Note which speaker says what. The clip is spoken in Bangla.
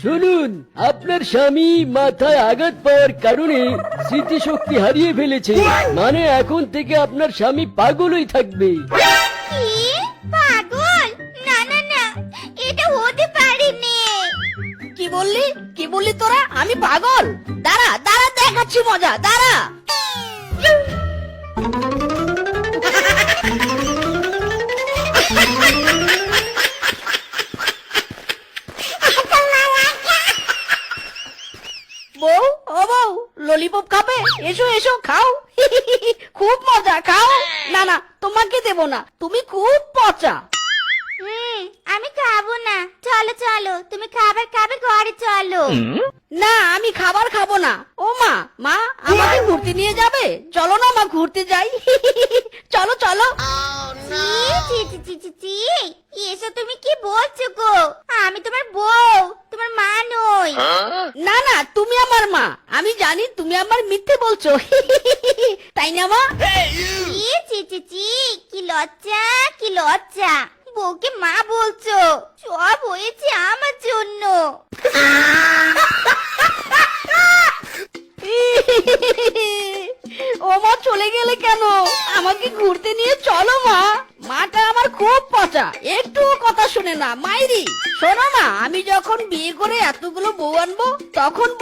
Speaker 1: শুনুন, আপনার স্বামী মাথায় আঘাত পাওয়ার কারণে স্মৃতিশক্তি হারিয়ে ফেলেছে। মানে এখন থেকে আপনার স্বামী পাগলই থাকবে।
Speaker 2: কি পাগল? না না না, এটা হতে পারেনি।
Speaker 3: কি বললি তোরা? আমি পাগল? দাঁড়া দাঁড়া, দেখাচ্ছি মজা, দাঁড়া। বউ, ও বউ, ললিপপ খাবে? এসো এসো, খাও। খুব মজা, খাও। না না, তোমাকে দেব না, তুমি খুব পচা।
Speaker 2: আমি খাবো না। চলো চলো, তুমি খাবার খাবে, ঘরে চলো।
Speaker 3: না, আমি খাবার খাবো না। ও মা, মা আমাকে ঘুরতে নিয়ে যাবে? চলো না মা, ঘুরতে যাই। চলো চলো।
Speaker 2: ছি ছি ছি ছি ছি, এসব তুমি কি বলছো গো? আমি তোমার বউ, তোমার মা নই।
Speaker 3: না না, তুমি আমার মা। আমি জানি তুমি আমার মিথ্যে বলছো। তাই না মা?
Speaker 2: ছি ছি ছি ছি, কি লজ্জা, কি লজ্জা। বউকে মা বলছো? সব হয়েছে আমার জন্য।
Speaker 3: ও মা, চলে গেলে কেন? আমাকে ঘুরতে নিয়ে চলো মা। মাটা আমার খুব পচা, একটুও কথা শুনে না। মাইরি, শোনো না, আমি যখন বিয়ে করে এতগুলো বউ আনবো তখন